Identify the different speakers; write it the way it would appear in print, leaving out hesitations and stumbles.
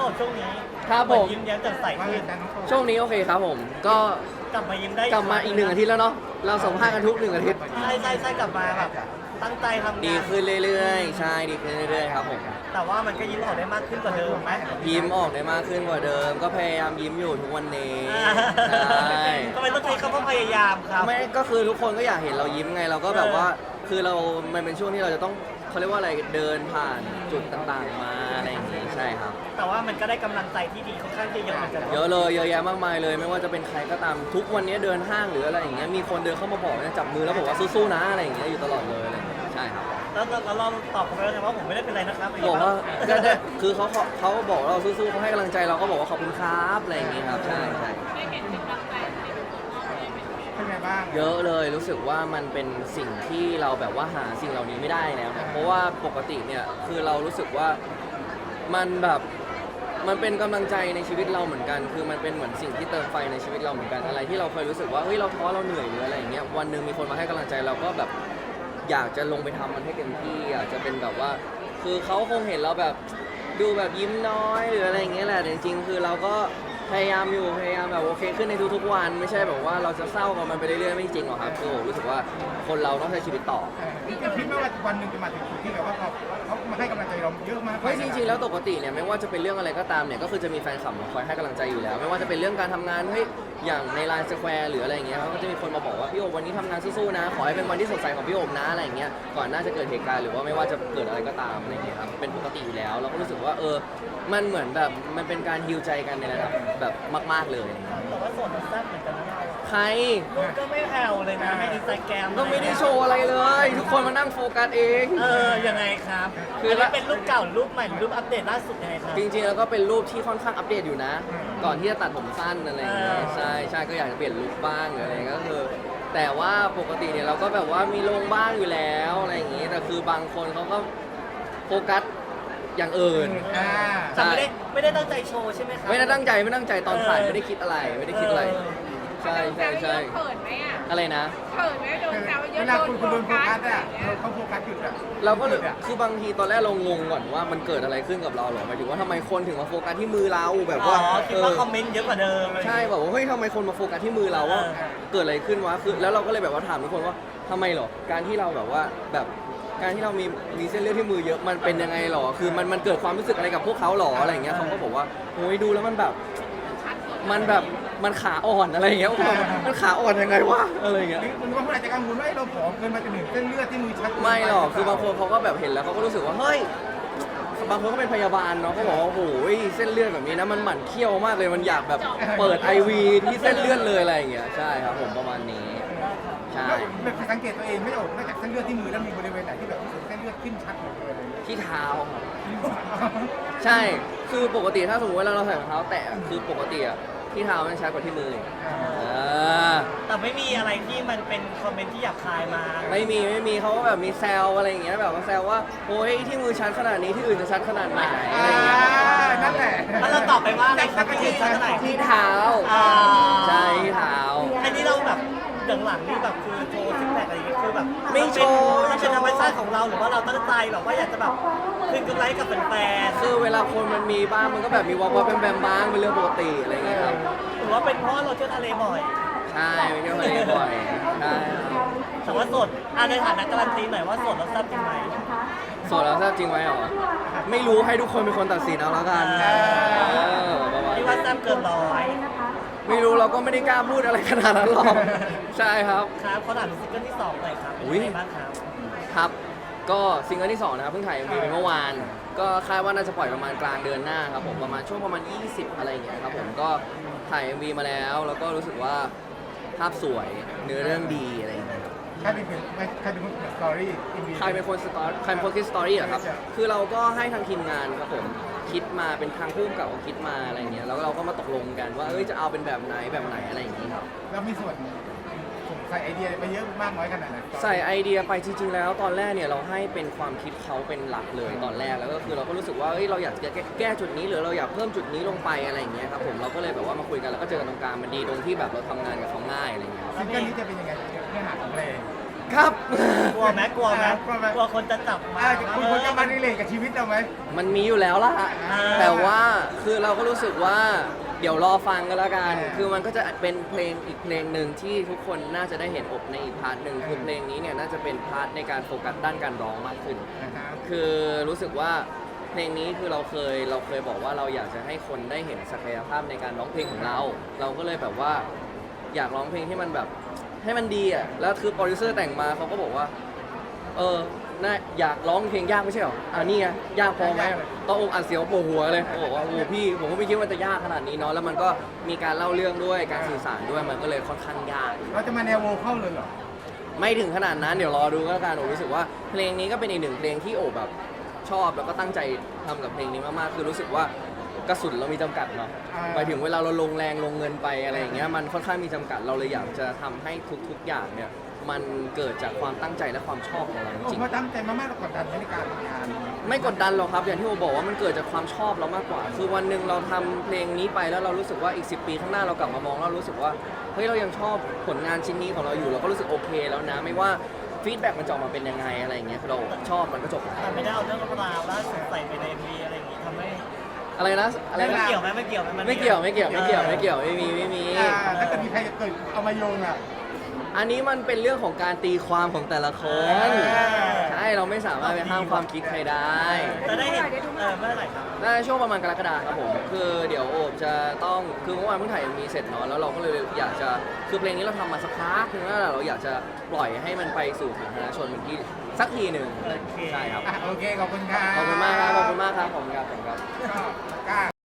Speaker 1: ดช่วงนี้
Speaker 2: ครับผม
Speaker 1: ยิ้มแย้มแจ่มใสขึ้น
Speaker 2: ช่วงนี้โอเคครับผมก็
Speaker 1: กลับมายิ้มได้
Speaker 2: กลับมาอีก1 อาทิตย์แล้วเนาะเราสัมภาษณ์กันทุก1 อาทิตย์
Speaker 1: ใช่กลับมาแบบตั้งใจทำงาน
Speaker 2: ดีขึ้นเรื่อยๆใช่ดีขึ้นเรื่อยๆครับผม
Speaker 1: แต่ว่ามันก็ยิ้มออกได้มากขึ้นกว่าเดิมไหม
Speaker 2: ยิ้มออกได้มากขึ้นกว่าเดิม ก็พยายามยิ้มอยู่ทุกวันนี้ใช่
Speaker 1: ทำไมต้องใช้คำว่าพยายามครับ
Speaker 2: ไม่ก็คือทุกคนก็อยากเห็นเรายิ้มไงเราก็แบบว่าคือเรามันเป็นช่วงที่เราจะต้องเขาเรียกว่าอะไรเดินผ่านจุดต่างๆมาอะไรอย่างงี้ใช่ครับ
Speaker 1: แต่ว่ามันก็ได้กำลังใจที่ดีค่อนข้างจะเยอะเหมือนกัน
Speaker 2: เยอะเลยเยอะแยะมากมายเลย ไม่ว่าจะเป็นใครก็ตามทุกวันนี้เดินห้างหรืออะไรอย่างเงี้ยมีคนเดินเข้ามาบอกเนี่ยจับมือแล้วบอกว่าสู้ๆนะอะไรอย่างเงี้ยอยู่ตลอดเลยอะไรอย่างเงี้ยใช่ครับ
Speaker 1: แล้วเราตอบเขาไปแล้วไงว่าผมไม่ได้เป็นไรนะครับ
Speaker 2: บอกว่าก็ได้คือเขาบอกเราสู้ๆเขาให้กำลังใจเราก็บอกว่าขอบคุณครับอะไรอย่างเงี้ยครับใช่ใช่
Speaker 3: เป็นไงบ้าง
Speaker 2: เยอะเลยรู้สึกว่ามันเป็นสิ่งที่เราแบบว่าหาสิ่งเหล่านี้ไม่ได้แล้วนะเพราะว่าปกติเนี่ยคือเรารู้สึกว่ามันแบบมันเป็นกำลังใจในชีวิตเราเหมือนกัน คือมันเป็นเหมือนสิ่งที่เติมไฟในชีวิตเราเหมือนกันอะไรที่เราเคยรู้สึกว่าเฮ้ยเราท้อเราเหนื่อยหรืออะไรอย่างเงี้ยวันหนึ่งมีคนมาให้กำลังใจเราก็แบบอยากจะลงไปทำมันให้เต็มที่อยากจะเป็นแบบว่า คือเขาคงเห็นเราแบบดูแบบยิ้มน้อยหรืออะไรอย่างเงี้ยแหละแต่จริงๆคือเราก็พยายามอยู่พยายามแบบโอเคขึ้นในทุกๆวันไม่ใช่แบบว่าเราจะเศร้ากับมันไปเรื่อยๆไม่จริงหรอกครับคือผมรู้สึกว่าคนเราต้องใช้ชีวิตต่อ
Speaker 3: คิดไหมว่าวันหนึ่งจะมาถึงจุดที่แบบว่าเขามาให้กำลังใจเราเยอะมาก
Speaker 2: เฮ้ยจริงๆแล้วปกติเนี่ยไม่ว่าจะเป็นเรื่องอะไรก็ตามเนี่ยก็คือจะมีแฟนคลับมาคอยให้กำลังใจอยู่แล้ว ไม่ว่าจะเป็นเรื่องการทำงานเฮ้ยอย่างในไลน์สแควร์หรืออะไรอย่างเงี้ยเขาก็จะมีคนมาบอกว่าพี่โอบวันนี้ทำงานสู้ๆนะขอให้เป็นวันที่สดใสของพี่โอบนะอะไรอย่างเงี้ยก่อนหน้าจะเกิดเหตุการณ์หรือว่าไม่ว่าจะเกิดอะไรก็ตามอะไรอย่างเงี้ยครับเป็นปกติอยู่แล้วเราก็รู้สึกว่ามันเหมือนแบบมันเป็นการฮีลใจกันในระดับแบบมากๆเลย
Speaker 1: แต่ว่าส่วนมันแซ่บเหมือนกันนะเรา
Speaker 2: ใคร
Speaker 1: ลูกก็ไม่แผ่วเลยนะในอินสตาแกรม
Speaker 2: ก็ไม่ได้โชว์อะไรเลย ทุกคนมานั่งโฟกัสเอง
Speaker 1: ยังไงครับ
Speaker 2: คือ
Speaker 1: อันนี้เป็นรูปเก่าหรือรูปใหม่หรือรูปอัปเดตล่าสุดยังไงครับ
Speaker 2: จริงๆแล้วก็เป็นรูปที่ค่อนข้างอัปเดตอยู่นะ ก่อนที่จะตัดผมสั้นอะไรอย่างเงี้ย
Speaker 1: อ่า
Speaker 2: ใช่ก็อยากจะเปลี่ยนลุคบ้างหรืออะไรก็คือ แต่ว่าปกติเนี่ยเราก็แบบว่ามีลงบ้างอยู่แล้วอะไรอย่างงี้แต่คือบางคนเขาก็โฟกัสอย่างอื่น
Speaker 1: แต่ไม่ได้ตั้งใจโชว์ใช่ไหมครั
Speaker 2: ไม่ได้ตั้งใจตอนถ่ายไม่ได้คิดอะไรไม่ได้คิดอะไร ใช่
Speaker 4: เขินไหมอ่ะ
Speaker 2: อะไรนะ
Speaker 4: เขินไหมโดนแซวเย
Speaker 3: เว
Speaker 4: อะ
Speaker 3: ลา
Speaker 4: โดน
Speaker 3: คุณโดนโฟกัส
Speaker 4: อะ
Speaker 3: อ่ะเขาโฟกัสจุดอ่ะ
Speaker 2: เราก็เลยคือบางทีตอนแรกเรางงก่อนว่ามันเกิดอะไรขึ้นกับเราหรอหมายถึงว่าทำไมคนถึงมาโฟกัสที่มือเราแบบ
Speaker 1: อ๋อ
Speaker 2: ว่า
Speaker 1: คิดว่าคอมเมนต์เยอะกว่าเดิม
Speaker 2: ใช่แบบว่าเฮ้ยทำไมคนมาโฟกัสที่มือเราว่าเกิดอะไรขึ้นวะคือแล้วเราก็เลยแบบว่าถามทุกคนว่าทำไมหรอการที่เราแบบว่าแบบการที่เรามีเส้นเลือดที่มือเยอะมันเป็นยังไงหรอคือมันเกิดความรู้สึกอะไรกับพวกเขาหรออะไรอย่างเงี้ยเขาก็บอกว่าโอ้ยดูแล้วมันแบบมันขาอ่อนอะไรอย่างเงี้ยผมบอกว่ามันขาอ่อนยังไงวะอะไรอย่างเงี้ย
Speaker 3: คุณว่าคุณอาจจะกังวลว่าเราผอมเกินมาจนถึงเส้นเลือดที่มือชัด
Speaker 2: ไม่หรอกคือบางคนเขาก็แบบเห็นแล้วเขาก็รู้สึกว่าเฮ้ยบางคนก็เป็นพยาบาลเนาะเขาบอกว่าโอ้โหเส้นเลือดแบบนี้นะมันหมั่นเคี้ยวมากเลยมันอยากแบบเปิด IV ที่เส้นเลือดเลยอะไรอย่างเงี้ยใช่ครับผมประมาณนี้ใช่
Speaker 3: แบบสังเกตตัวเองไม่ออกนอกจากเส้นเลือดที่มือแล้วมีบริเวณไหนที่แบบเส้นเลือดขึ้นชัดหมดเลย
Speaker 2: ที่เท้าครับใช่คือปกติถ้าสมมติว่าเราใส่รองเท้าแตะคือปกติอะที่เท้ามันชัดกว่าที่มืออ
Speaker 1: แต่ไม่มีอะไรที่มันเป็นคอมเมนต์ที่หยาบคายมา
Speaker 2: ไม่มีเขาก็แบบมีแซวอะไรอย่างเงี้ยแบบว่าแซวว่าโอ้ยที่มือชัดขนาดนี้ที่อื่นจะชัดขนาดไหนอะไรอย่างเงี้ย
Speaker 3: นั่นแหละ
Speaker 1: แล้วเราตอบไปว่าอะไรครับที่ชัดเท่าไหร่
Speaker 2: ที่เท้า
Speaker 1: อ่า
Speaker 2: ใช่ที่เท้า
Speaker 1: อันนี้เราแบบหลังๆนี่แบบคือโชว์ซิกแพคอะไรอย่างเงี้ยคือแบบ
Speaker 2: ไม่โชว์
Speaker 1: มันเป็นธรรมชาติของเราหรือว่าเราตั้งใจแบบว่าอยากจะแบบคืนกำไรกับแฟน
Speaker 2: คือเวลาคนมันมีบ้างมันก็แบบมีวอลแบมบ้างเป็นเรื่องปกติอะไรอย่างเงี้ยครับ
Speaker 1: ๆหรือว่าเป็นเพราะเราเที่ยวทะเลบ่อย
Speaker 2: ใช่ไปเที่ยวทะเลบ่อยใช่ครับ
Speaker 1: แต่ว่าโสดในฐานะการันตีหน่อยว่าโสดแล้วแซ่บจริงไหม
Speaker 2: โสดแล้วแซ่บจริงไหมหรอไม่รู้ให้ทุกคนเป็นคนตัดสินเอาแล้วกันประมาณ
Speaker 1: ที่ว่าแซ่บเกินร้อย
Speaker 2: ไม่รู้เราก็ไม่ได้กล้าพูดอะไรขนาดนั้นหรอกใช่ครับ
Speaker 1: ครับเขาถามถึงซิงเกิลที่2หน่อยครับเป็น
Speaker 2: อุ๊ย
Speaker 1: ยังไงบ้างครับ
Speaker 2: ครับก็ซิงเกิลที่2นะครับเพิ่งถ่าย MV ไปเมื่อวาน ก็คาดว่าน่าจะปล่อยประมาณกลางเดือนหน้าครับผมประมาณช่วงประมาณ 20 อะไรอย่างเงี้ยครับผมก็ถ่าย MV มาแล้วแล้วก็รู้สึกว่าภาพสวยเนื้อเรื่องดีอะไรอย่างเงี้ยครับ
Speaker 3: ใครเป็นคนสตอรี่
Speaker 2: ใครเป็นคนคิดสตอรี่เหรอครับคือเราก็ให้ทางทีมงานครับผมคิดมาเป็นทางผู้กำกับเขาคิดมาอะไรอย่างเงี้ยแล้วเราก็มาตกลงกันว่าจะเอาเป็นแบบไหนอะไรอย่างงี้ครับ
Speaker 3: แล้วมีส่วนใส่ไอเดียไปเยอะมากน้อยขนาดไหน
Speaker 2: ใส่ไอเดียไปจริงๆแล้วตอนแรกเนี่ยเราให้เป็นความคิดเขาเป็นหลักเลยตอนแรกแล้วก็คือเราก็รู้สึกว่าเราอยากจะแก้จุดนี้หรือเราอยากเพิ่มจุดนี้ลงไปอะไรอย่างเงี้ยครับผมเราก็เลยแบบว่ามาคุยกันแล้วก็เจอกันตรงกลางมันดีตรงที่แบบเราทำงานกับเขาง่ายอะไรอย่างเงี้ย
Speaker 3: ซิงเกิลนี้จะเป็นยังไงเนื้อหาของเพลง
Speaker 2: ครับ
Speaker 1: กลัวไหมกลัวไหมกลัวคนจะจับมา
Speaker 3: คุณควรจะมารีเลทกับชีวิตเราไหม
Speaker 2: มันมีอยู่แล้วล่ะ แต่ว่าคือเราก็รู้สึกว่าเดี๋ยวรอฟังกันแล้วกัน คือมันก็จะเป็นเพลงอีกเพลงหนึ่งที่ทุกคนน่าจะได้เห็นอบในอีกพาร์ทหนึ่งคือเพลงนี้เนี่ยน่าจะเป็นพาร์ทในการโฟกัสด้านการร้องมากขึ้น คือรู้สึกว่าเพลงนี้คือเราเคยบอกว่าเราอยากจะให้คนได้เห็นศักยภาพในการร้องเพลงของเรา เราก็เลยแบบว่าอยากร้องเพลงที่มันแบบให้มันดีอ่ะ แล้วคือโปรดิวเซอร์แต่งมาเขาก็บอกว่า น่าอยากร้องเพลงยากไม่ใช่หรอ นี่ไงยากพอไหมต้องอกอัดเสียวปวดหัวเลยบอกว่าโอ้พี่ผมก็ไม่คิดว่าจะยากขนาดนี้เนาะ แล้วมันก็มีการเล่าเรื่องด้วยการสื่อสารด้วยมันก็เลยค่อนข้างยาก
Speaker 3: เราจะมาแนวโวเข้าเลยเหรอ
Speaker 2: ไม่ถึงขนาดนั้นเดี๋ยวรอดูก็แล้วกันโอรู้สึกว่าเพลงนี้ก็เป็นอีกหนึ่งเพลงที่โอแบบชอบแล้วก็ตั้งใจทำกับเพลงนี้มากๆคือรู้สึกว่ากระสุนเรามีจำกัดเนาะไปถึงเวลาเราลงแรงลงเงินไปอะไรอย่างเงี้ยมันค่อนข้างมีจำกัดเราเลยอยากจะทำให้ทุกๆอย่างเนี่ยมันเกิดจากความตั้งใจและความชอบของเราจ
Speaker 3: ผม
Speaker 2: ริง
Speaker 3: ว่าตั้งใจมากๆเรากดดันในการทำงาน
Speaker 2: ไม่กดดันหรอกครับอย่างที่โอบอกว่ามันเกิดจากความชอบเรามากกว่า คือวันหนึ่งเราทำเพลงนี้ไปแล้วเรารู้สึกว่าอีก10 ปีข้างหน้าเรากลับมามองแล้วรู้สึกว่าเฮ้ยเรายังชอบผลงานชิ้นนี้ของเราอยู่เราก็รู้สึกโอเคแล้วนะไม่ว่าฟีดแบ็กมันจะออกมาเป็นยังไงอะไรอย่างเงี้ยคือเราชอบมันก็จบ
Speaker 1: แต่ไม่ได้เอาเรื่องราวล่าสุดใส่ไปใน MV อะไรอย่างงี้ทำให้
Speaker 2: อะไรนะอะไร
Speaker 1: ไม่
Speaker 2: นะ
Speaker 1: เกี่ยวไหมไม่เกี่ยวไหม
Speaker 2: ไม่เกี่ยวไม่มี
Speaker 3: ถ้าเกิดมีใครจะเกิดเอามาโยงอ่ะ
Speaker 2: อันนี้มันเป็นเรื่องของการตีความของแต่ละคน
Speaker 3: อ่า
Speaker 2: ใช่เราไม่สามารถไปห้ามความคิดใครได้
Speaker 1: จะได้เห็นเมื่อไหร่ครับ
Speaker 2: น่าจะช่วงประมาณกรกฎาคมครับผมคือเดี๋ยวโอบจะต้องคือเมื่อวานเพิ่งถ่ายมีเสร็จเนาะแล้วเราก็เลยอยากจะคือเพลงนี้เราทำมาสักพักนึงแล้วเราอยากจะปล่อยให้มันไปสู่สาธารณชนเมื่อกี้สักทีหนึ่งใช่ครับ
Speaker 3: โอเค ขอบคุณครับ
Speaker 2: ขอบคุณมากครับขอบคุณมากครับผมครับผมครับ
Speaker 3: ก็กล้า